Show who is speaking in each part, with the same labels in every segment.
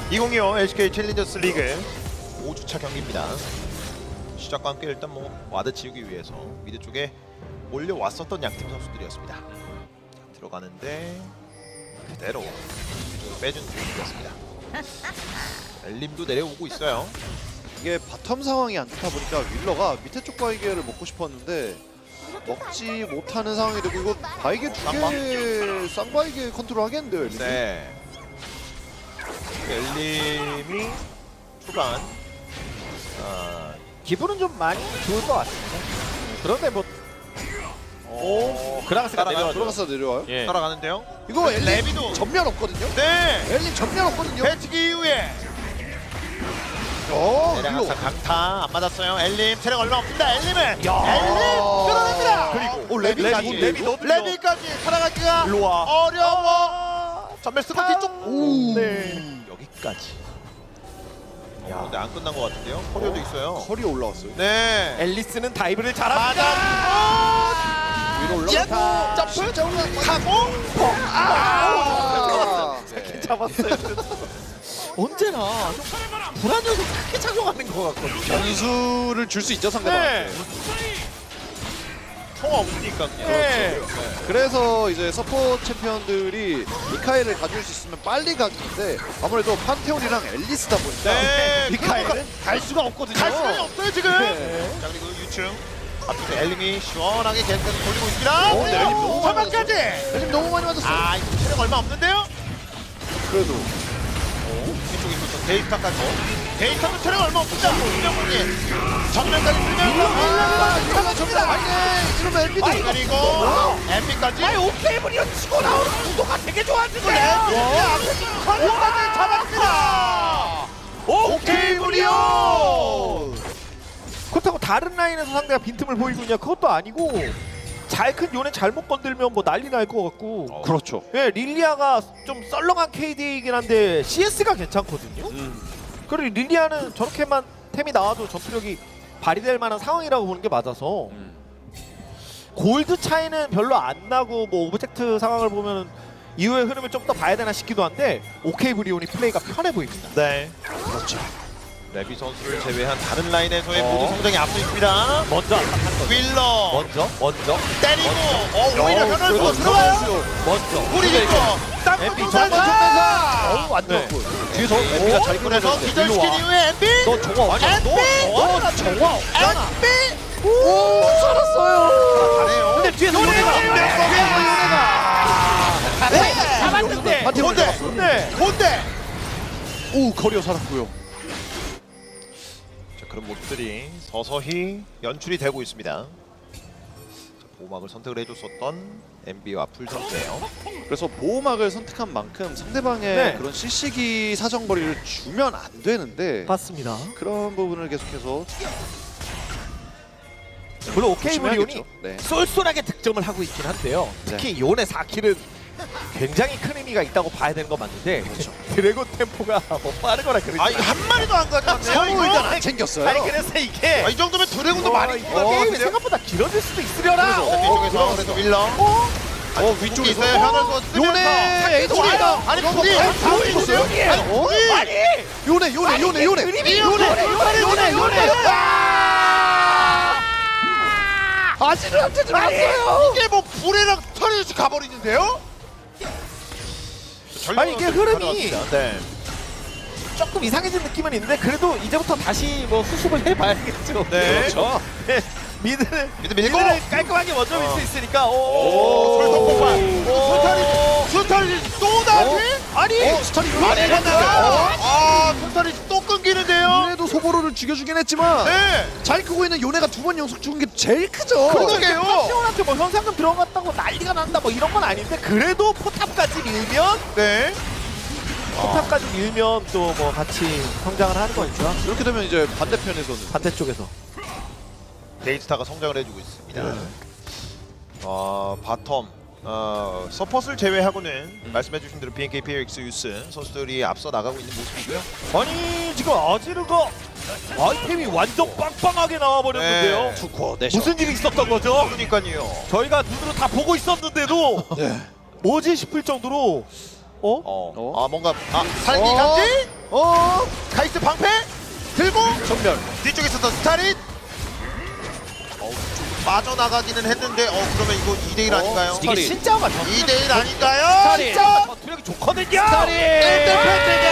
Speaker 1: 2025 LCK 챌린저스 리그 5주차 경기입니다. 시작과 함께 일단 와드 지우기 위해서 미드 쪽에 몰려왔었던 양팀 선수들이었습니다. 들어가는데 그대로 뒤쪽으로 빼준 중이었습니다. 엘림도 내려오고 있어요.
Speaker 2: 이게 바텀 상황이 안 좋다 보니까 윌러가 밑에 쪽 바이게를 먹고 싶었는데 먹지 못하는 상황이 되고, 이거 바이게 두개 쌍바이게 컨트롤 하겠는데요, 엘림이?
Speaker 1: 네. 엘림이 초반
Speaker 3: 기분은 좀 많이 좋을 것 같습니다. 그런데 뭐 그라가스가 내려와죠.
Speaker 2: 들어가서 내려와요?
Speaker 3: 예.
Speaker 1: 따라가는데요.
Speaker 2: 이거 엘림
Speaker 1: 레비도
Speaker 2: 전면 없거든요?
Speaker 1: 네.
Speaker 2: 엘림 전면 없거든요?
Speaker 1: 배치기 이후에 내려가서
Speaker 2: 윌러.
Speaker 1: 강타 안 맞았어요. 엘림 체력 얼마 없습니다. 엘림을 엘림 끌어냅니다.
Speaker 2: 그리고 레비까지.
Speaker 1: 레비까지 살아가기가
Speaker 3: 일로 와.
Speaker 1: 어려워. 전멸 쓰고 뒤쪽.
Speaker 2: 오.
Speaker 1: 네. 여기까지. 근데 안 끝난 것 같은데요. 커리어도 있어요.
Speaker 2: 커리어 올라왔어요.
Speaker 1: 네.
Speaker 3: 앨리스는 다이브를 잘합니다.
Speaker 2: 위로
Speaker 1: 예.
Speaker 2: 올라갔다.
Speaker 1: 점프
Speaker 2: 진짜 올라갔다.
Speaker 1: 하고
Speaker 2: 네.
Speaker 3: 잡았어요. 언제나 좀 불안 요소 크게 작용하는 것 같거든요.
Speaker 2: 변수를 줄 수 있죠, 상대방한테.
Speaker 1: 통 없으니까.
Speaker 3: 네.
Speaker 2: 그래서 이제 서포 챔피언들이 미카엘을 가져올 수 있으면 빨리 가는데, 아무래도 판테온이랑 앨리스다 보니까
Speaker 1: 네.
Speaker 3: 미카엘은 갈 수가 없거든요.
Speaker 1: 갈 수는 없어요 지금.
Speaker 2: 네.
Speaker 1: 자 그리고 유충 앞에서 엘림이 시원하게 계속해서 돌리고 있습니다.
Speaker 2: 네, 엘림 너무 많이
Speaker 1: 전반까지.
Speaker 2: 엘림 너무 많이 맞았어.
Speaker 1: 아 이거 체력 얼마 없는데요?
Speaker 2: 그래도
Speaker 1: 뒤쪽에 있었던 데이터까지. 데이터도 체력 얼마 없습니다. 김정훈이 정면까지 들면서
Speaker 2: 정말 아니네. 이러면 엘비도
Speaker 1: 그리고 MP까지.
Speaker 3: 아니 오케이브리온 치고 나오는 구도가 되게 좋아지네.
Speaker 1: 컨트까지 잡았습니다. 오케이브리온.
Speaker 3: 그렇다고 다른 라인에서 상대가 빈틈을 보이고 있냐? 그것도 아니고 잘 큰 요네 잘못 건들면 뭐 난리 날 것 같고.
Speaker 2: 그렇죠.
Speaker 3: 예, 릴리아가 좀 썰렁한 KD이긴 한데 CS가 괜찮거든요. 그리고 릴리아는 저렇게만 템이 나와도 전투력이 발휘될 만한 상황이라고 보는 게 맞아서 골드 차이는 별로 안 나고 뭐 오브젝트 상황을 보면 이후의 흐름을 좀 더 봐야 되나 싶기도 한데 오케이 브리온이 플레이가 편해 보입니다.
Speaker 1: 네. 그렇죠. 레비 선수를 제외한 다른 라인에서의 모두 성장이 앞서 있습니다.
Speaker 3: 먼저 압박한 거.
Speaker 1: 윌러
Speaker 3: 먼저
Speaker 1: 때리고 오히려 변을 못 들어와요.
Speaker 3: 먼저.
Speaker 1: 우리 있고
Speaker 3: MP
Speaker 1: 땅콩
Speaker 3: 정말
Speaker 1: 전면사.
Speaker 2: 완전
Speaker 3: 네.
Speaker 2: 뒤에서 엘비가 잘
Speaker 1: 그래서
Speaker 2: 끊어냈는데.
Speaker 1: 기절시킨 이후에 MB.
Speaker 3: 너 정화 없잖아. 너 정화 없잖아.
Speaker 1: MB.
Speaker 2: 오, 살았어요.
Speaker 1: 잘해요.
Speaker 3: 근데 뒤에서
Speaker 1: 네.
Speaker 3: 잡았는데.
Speaker 2: 판테온
Speaker 1: 뭔데?
Speaker 2: 잡았어.
Speaker 3: 네.
Speaker 1: 뭔데?
Speaker 2: 오, 커리어 살았고요.
Speaker 1: 자, 그런 모습들이 서서히 연출이 되고 있습니다. 자, 보호막을 선택을 해줬었던 MB와 풀 선수예요.
Speaker 2: 그래서 보호막을 선택한 만큼 상대방의
Speaker 3: 네.
Speaker 2: 그런 CC기 사정거리를 주면 안 되는데,
Speaker 3: 맞습니다.
Speaker 2: 그런 부분을 계속해서
Speaker 3: 물론 오케이 브리온이
Speaker 2: 조심해야겠죠. 네.
Speaker 3: 쏠쏠하게 득점을 하고 있긴 한데요. 특히 요네 4킬은 굉장히 큰 의미가 있다고 봐야 되는 건 맞는데 드래곤 템포가 뭐 빠르거나 그러지
Speaker 1: 아 이거 한 마리도 안 가져갔네요.
Speaker 2: 서로 일단
Speaker 1: 이거.
Speaker 2: 안 챙겼어요.
Speaker 3: 아니 그래서 이게
Speaker 1: 이 정도면 드래곤도 많이
Speaker 3: 이게
Speaker 1: 뽑았겠는데요?
Speaker 3: 게임이 생각보다 길어질 수도 있으려나.
Speaker 1: 뒤쪽에서 그래서 윌러.
Speaker 2: 위쪽에서
Speaker 1: 있어요. 현을 쓰면서
Speaker 2: 요네 에이도
Speaker 1: 둘이.
Speaker 2: 와요.
Speaker 1: 아니 둘이
Speaker 3: 다
Speaker 1: 있어요.
Speaker 3: 둘이에요.
Speaker 1: 아니 둘이.
Speaker 3: 아니
Speaker 2: 요네.
Speaker 3: 요네.
Speaker 2: 아지르한테 들어갔어요.
Speaker 1: 이게 뭐 불에랑 털이 가버리는데요?
Speaker 3: 아니, 이게 흐름이
Speaker 1: 네.
Speaker 3: 조금 이상해진 느낌은 있는데 그래도 이제부터 다시 뭐 수습을 해봐야겠죠.
Speaker 1: 네.
Speaker 3: 그렇죠. 네. 미드는
Speaker 1: 밀고.
Speaker 3: 깔끔하게 먼저 밀 수 있으니까.
Speaker 1: 오, 설성 폭발. 스탈리 또 다시?
Speaker 3: 아니
Speaker 2: 스타리
Speaker 1: 아니 갔나요? 스탈리 또 끊기는데요?
Speaker 2: 요네도 소보로를 죽여주긴 했지만
Speaker 1: 네.
Speaker 2: 잘 크고 있는 요네가 두 번 연속 죽은 게 제일 크죠.
Speaker 1: 그러게요.
Speaker 3: 파티온한테 뭐 현상금 들어갔다고 난리가 난다 뭐 이런 건 아닌데 그래도 포탑까지 밀면
Speaker 1: 네.
Speaker 3: 포탑까지 밀면 또 뭐 같이 성장을 하는 거니까
Speaker 2: 이렇게 되면 이제 반대편에서는
Speaker 3: 반대쪽에서.
Speaker 1: 데이스타가 성장을 해주고 있습니다. 바텀 서폿을 제외하고는 말씀해주신 대로 BNK PX 유스 선수들이 앞서 나가고 있는 모습이고요.
Speaker 3: 아니 지금 아지르가 아이템이 완전 빵빵하게 나와버렸는데요.
Speaker 1: 네.
Speaker 2: 투코
Speaker 3: 무슨 일이 있었던 거죠?
Speaker 1: 그러니까요.
Speaker 3: 저희가 눈으로 다 보고 있었는데도
Speaker 2: 네.
Speaker 3: 뭐지 싶을 정도로
Speaker 1: 뭔가 살기 감지? 카이스 방패 들고
Speaker 2: 전멸.
Speaker 1: 뒤쪽에 있었던 스타릿. 좀 빠져나가기는 했는데 그러면 이거 2대1 아닌가요?
Speaker 2: 스타릿.
Speaker 3: 이게 신짜오가
Speaker 1: 2대1 아닌가요?
Speaker 3: 진짜오가 전투력이 좋거든요.
Speaker 2: 스타릿.
Speaker 1: 1대 패트가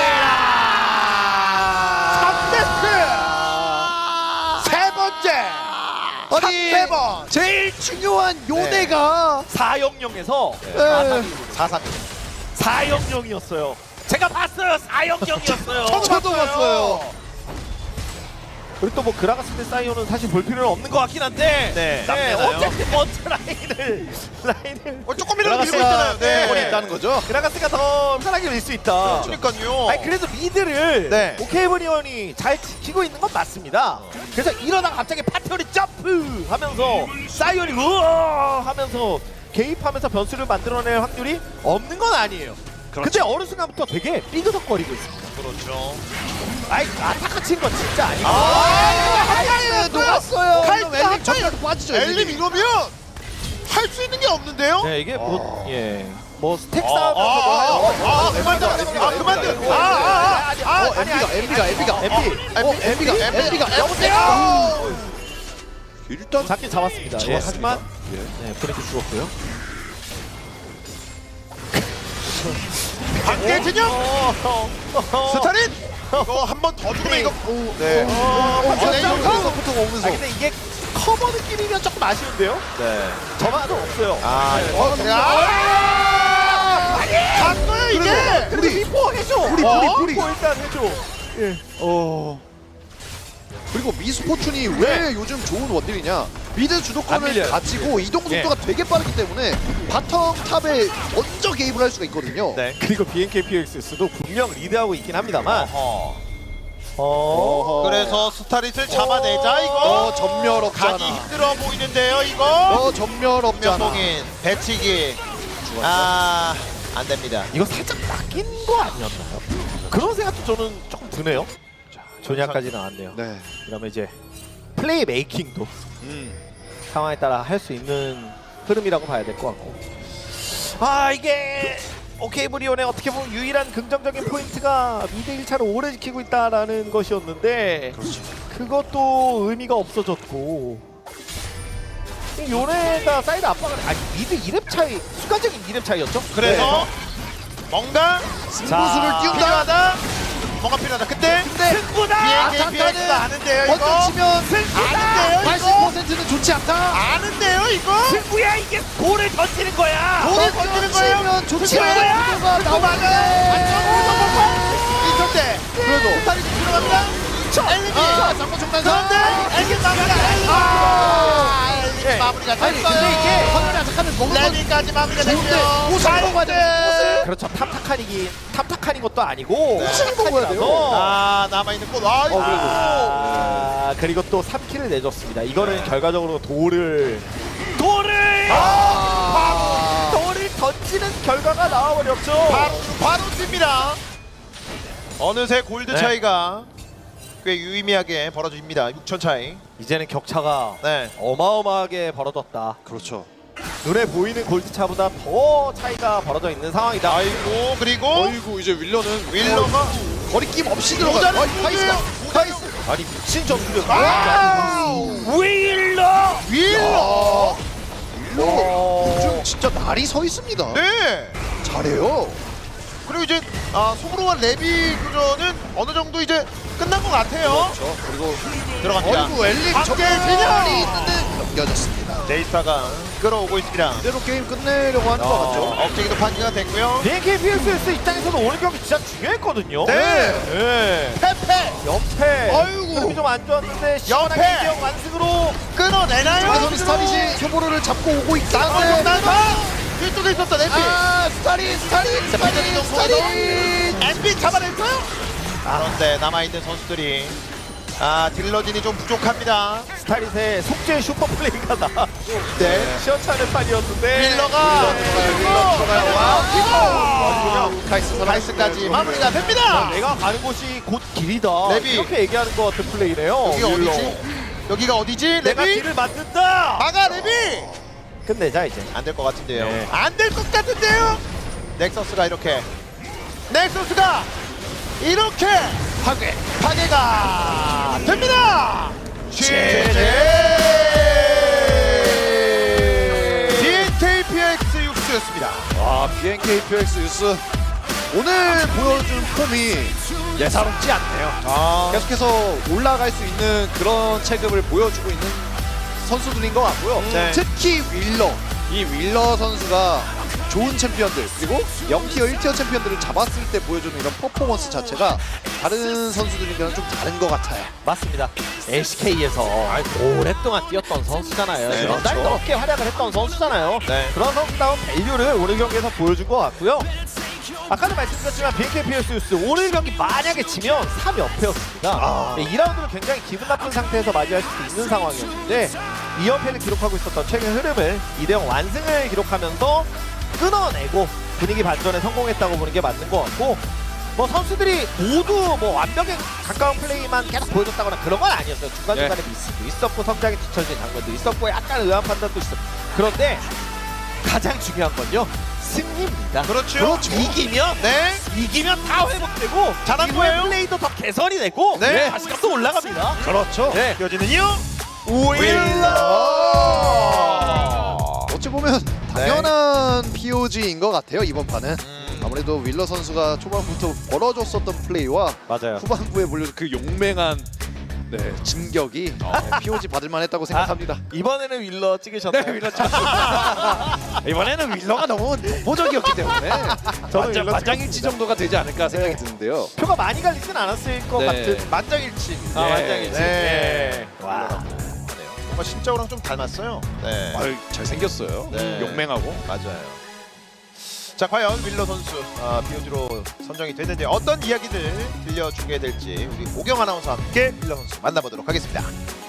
Speaker 1: 3데스 세 번째
Speaker 2: 아니
Speaker 1: 3번
Speaker 2: 제일 중요한 요네가
Speaker 3: 400에서
Speaker 1: 4-3
Speaker 3: 400이었어요. 제가 봤어요. 400이었어요.
Speaker 2: 저도 봤어요.
Speaker 3: 그리고 또 뭐 그라가스 대 사이오는 사실 볼 필요는 없는 것 같긴 한데
Speaker 1: 네, 남네요.
Speaker 3: 어쨌든 먼저 라인을
Speaker 1: 조금이라도 밀고 있잖아요.
Speaker 2: 네.
Speaker 1: 네.
Speaker 2: 있다는 거죠.
Speaker 3: 그라가스가 더 편하게 밀 수 있다.
Speaker 1: 그러니까요.
Speaker 3: 아니 그래도 미드를
Speaker 1: 네.
Speaker 3: 오케이브리온이 잘 지키고 있는 건 맞습니다. 그래서 이러다가 갑자기 파티온이 점프 하면서 사이온이 우어 하면서 개입하면서 변수를 만들어낼 확률이 없는 건 아니에요. 근데 어느 순간부터 되게 삐그덕거리고 있습니다.
Speaker 1: 그렇죠.
Speaker 3: 아이 아타카 친 건 진짜 아니고.
Speaker 2: 녹았어요.
Speaker 1: 칼
Speaker 2: 엘림 전멸도 빠지죠.
Speaker 1: 엘림 이러면 할 수 있는 게 없는데요?
Speaker 3: 네 이게 뭐 스택
Speaker 1: 아,
Speaker 3: 싸움에서
Speaker 1: 그만들.
Speaker 2: 엠비가
Speaker 1: 여보세요.
Speaker 2: 일단
Speaker 3: 잡긴 잡았습니다. 예,
Speaker 2: 잡았습니다.
Speaker 3: 하지만
Speaker 2: 예.
Speaker 3: 네, 브레이크 죽었고요.
Speaker 1: 박대진영 스타릿 이거 한 번 더 주면 이거 네.
Speaker 2: 포트가
Speaker 3: 아
Speaker 2: 오면서
Speaker 3: 근데 이게 커버 느낌이면 조금 아쉬운데요?
Speaker 1: 네.
Speaker 3: 저만은 없어요.
Speaker 1: 그래. 갔어요 이게.
Speaker 3: 그래도 미포 해줘.
Speaker 2: 우리.
Speaker 3: 미포 일단 해줘.
Speaker 2: 그리고 미스포춘이 왜 요즘 좋은 원딜이냐? 미드
Speaker 3: 안
Speaker 2: 주도권을
Speaker 3: 밀려요.
Speaker 2: 가지고 이동 속도가 되게 빠르기 때문에 바텀 탑에 먼저 개입을 할 수가 있거든요.
Speaker 1: 네.
Speaker 3: 그리고 BNKPX도 분명 리드하고 있긴 합니다만.
Speaker 2: 어허.
Speaker 1: 그래서 스타릿을 잡아내자 이거.
Speaker 2: 전멸 없잖아.
Speaker 1: 가기 힘들어 보이는데요 이거.
Speaker 2: 전멸 없잖아.
Speaker 1: 명동인 배치기. 안 됩니다.
Speaker 3: 이거 살짝 낚인 거 아니었나요? 그런 생각도 저는 조금 드네요. 조냐까지 나왔네요.
Speaker 2: 네.
Speaker 3: 그러면 이제 플레이 메이킹도 상황에 따라 할 수 있는 흐름이라고 봐야 될 것 같고. 이게 오케이브리온의 어떻게 보면 유일한 긍정적인 포인트가 미드 1차를 오래 지키고 있다라는 것이었는데 그것도 의미가 없어졌고 요네가 사이드 압박을 미드 2렙 차이 순간적인 2렙 차이였죠?
Speaker 1: 그래서 뭔가
Speaker 2: 승부수를 띄운다.
Speaker 1: 필요하다. 뭔가 필요하다. 근데
Speaker 3: 승부다!
Speaker 1: BNKPX가 아는데요 이거.
Speaker 2: 먼저 치면
Speaker 1: 아는데요 이거.
Speaker 2: 80%는 좋지 않다.
Speaker 1: 아는데요 이거.
Speaker 3: 승부야 이게 돌을 던지는 거야!
Speaker 1: 돌을 던지는 거예요.
Speaker 2: 치면 좋지
Speaker 3: 그거야.
Speaker 2: 않은 구도가 나오는데.
Speaker 1: 이전대.
Speaker 2: 그래도
Speaker 1: 스타릿이 들어간다. 엘리미.
Speaker 2: 장모 총단사.
Speaker 1: 그런데 엘리미 마무리가. 엘리미 마무리가
Speaker 2: 아니 근데
Speaker 1: 됐어요.
Speaker 2: 이게 화면에 아작하는 먹는 건
Speaker 1: 레비까지 마무리가
Speaker 2: 좋은데
Speaker 1: 됐고요.
Speaker 2: 옷을 먹어야 돼.
Speaker 3: 그렇죠. 탑타칸인 것도 아니고
Speaker 2: 옷을 먹어야 돼요.
Speaker 1: 남아있는 꽃.
Speaker 3: 그리고 또 3킬을 내줬습니다. 이거는 결과적으로 돌을 던지는 결과가 나와버렸죠.
Speaker 1: 바로 뜁니다. 어느새 골드
Speaker 3: 네.
Speaker 1: 차이가 꽤 유의미하게 벌어집니다. 6천 차이.
Speaker 3: 이제는 격차가
Speaker 1: 네.
Speaker 3: 어마어마하게 벌어졌다.
Speaker 2: 그렇죠.
Speaker 3: 눈에 보이는 골드차보다 더 차이가 벌어져 있는 상황이다.
Speaker 1: 아이고 그리고
Speaker 2: 어이구 이제 윌러는
Speaker 1: 윌러가
Speaker 2: 거리낌 없이 들어가.
Speaker 1: 모자는
Speaker 2: 카이스.
Speaker 3: 아니 미친 전투력.
Speaker 1: 윌러.
Speaker 2: 윌러 요즘 진짜 날이 서 있습니다.
Speaker 1: 네.
Speaker 2: 잘해요.
Speaker 1: 그리고 이제 소브로와 레비 교전은 어느 정도 이제 끝난 것 같아요.
Speaker 2: 그렇죠. 그리고
Speaker 1: 들어갑니다.
Speaker 2: 어이구 엘릭
Speaker 1: 밖에
Speaker 2: 전멸이 있는데 넘겨졌습니다.
Speaker 1: 데이터가 끌어오고 있습니다.
Speaker 2: 이대로 게임 끝내려고 하는 것 같죠.
Speaker 1: 억제기도 판기가 됐고요.
Speaker 3: BNKPXS 입장에서도 오늘 경기 진짜 중요했거든요.
Speaker 1: 네. 페페
Speaker 3: 연패.
Speaker 2: 아이고.
Speaker 3: 흐름이 좀 안 좋았는데 시원하게
Speaker 1: 연패.
Speaker 3: 2대0 완승으로
Speaker 1: 끊어내나요?
Speaker 2: 마선이 스타릿이 소보로를 잡고 오고 있다는데
Speaker 1: 장난사 뒤쪽에 있었던 MP.
Speaker 2: 스타릿
Speaker 1: MP 잡아냈어요? 그런데 남아있는 선수들이 딜러진이 좀 부족합니다.
Speaker 3: 스타릿의 속죄 슈퍼 플레이가 나.
Speaker 1: 네.
Speaker 3: 시원찮은 판이었는데
Speaker 1: 윌러가
Speaker 2: 카이스까지
Speaker 1: 마무리가 됩니다.
Speaker 3: 내가 가는 곳이 곧 길이다.
Speaker 1: 레비.
Speaker 3: 이렇게 얘기하는 것 같은 플레이네요.
Speaker 1: 여기가
Speaker 3: 윌러.
Speaker 1: 어디지? 여기가 어디지?
Speaker 3: 내가
Speaker 1: 레비?
Speaker 3: 길을 만든다.
Speaker 1: 막아 레비!
Speaker 3: 끝내자 이제.
Speaker 1: 안 될 것 같은데요.
Speaker 3: 네.
Speaker 1: 안 될 것 같은데요. 넥서스가 이렇게 넥서스가 이렇게 파괴가 됩니다. BNKPX 육수였습니다.
Speaker 2: 와, BNKPX 유스 오늘 보여준 폼이 예사롭지 않네요. 계속해서 올라갈 수 있는 그런 체급을 보여주고 있는 선수들인 것 같고요.
Speaker 1: 네.
Speaker 2: 특히 윌러, 이 윌러 선수가 좋은 챔피언들 그리고 0티어, 1티어 챔피언들을 잡았을 때 보여주는 이런 퍼포먼스 자체가 다른 선수들이랑 좀 다른 것 같아요.
Speaker 3: 맞습니다. LCK에서 오랫동안 뛰었던 선수잖아요.
Speaker 1: 네,
Speaker 3: 몇 달
Speaker 1: 그렇죠.
Speaker 3: 넘게 활약을 했던 선수잖아요.
Speaker 1: 네.
Speaker 3: 그런 선수다운 밸류를 오늘 경기에서 보여준 것 같고요. 아까도 말씀드렸지만 BNKPX 유스 오늘 경기 만약에 지면 3연패였습니다. 2라운드를 굉장히 기분 나쁜 상태에서 맞이할 수도 있는 상황이었는데 2연패를 기록하고 있었던 최근 흐름을 2대0 완승을 기록하면서 끊어내고 분위기 반전에 성공했다고 보는 게 맞는 것 같고, 뭐 선수들이 모두 뭐 완벽에 가까운 플레이만 계속 보여줬다거나 그런 건 아니었어요. 중간중간에 미스도 있었고 성장이 뒤처진 장면도 있었고 약간 의아한 판단도 있었고, 그런데 가장 중요한 건요 승리입니다.
Speaker 1: 그렇죠.
Speaker 3: 이기면 이기면 다 회복되고
Speaker 1: 잘한
Speaker 3: 이후에
Speaker 1: 거예요.
Speaker 3: 플레이도 더 개선이 되고
Speaker 1: 네.
Speaker 3: 자신감도 올라갑니다.
Speaker 2: 그렇죠.
Speaker 3: 네.
Speaker 1: 이어지는요.
Speaker 2: 어찌 보면 당연한 POG인 것 같아요, 이번 판은.
Speaker 1: 음.
Speaker 2: 아무래도 윌러 선수가 초반부터 벌어줬었던 플레이와
Speaker 3: 맞아요.
Speaker 2: 후반부에 물려준 그 용맹한 진격이 POG 받을만 했다고 생각합니다.
Speaker 3: 이번에는 윌러 찍으셨나요?
Speaker 2: 네, 윌러 이번에는 윌러가 너무 독보적이었기 때문에
Speaker 3: 윌러
Speaker 2: 만장일치 정도가 되지 않을까 생각이 드는데요.
Speaker 3: 표가 많이 갈리진 않았을 것
Speaker 2: 네.
Speaker 3: 같은 만장일치.
Speaker 2: 네.
Speaker 3: 만장일치.
Speaker 1: 네.
Speaker 3: 와.
Speaker 1: 하네요. 뭔가 신짜오랑 좀 닮았어요. 네.
Speaker 2: 아유, 잘생겼어요.
Speaker 1: 네.
Speaker 2: 용맹하고.
Speaker 1: 맞아요. 자, 과연 윌러 선수 BOG로 선정이 됐는데 어떤 이야기들 들려주게 될지 우리 오경 아나운서와 함께 윌러 선수 만나보도록 하겠습니다.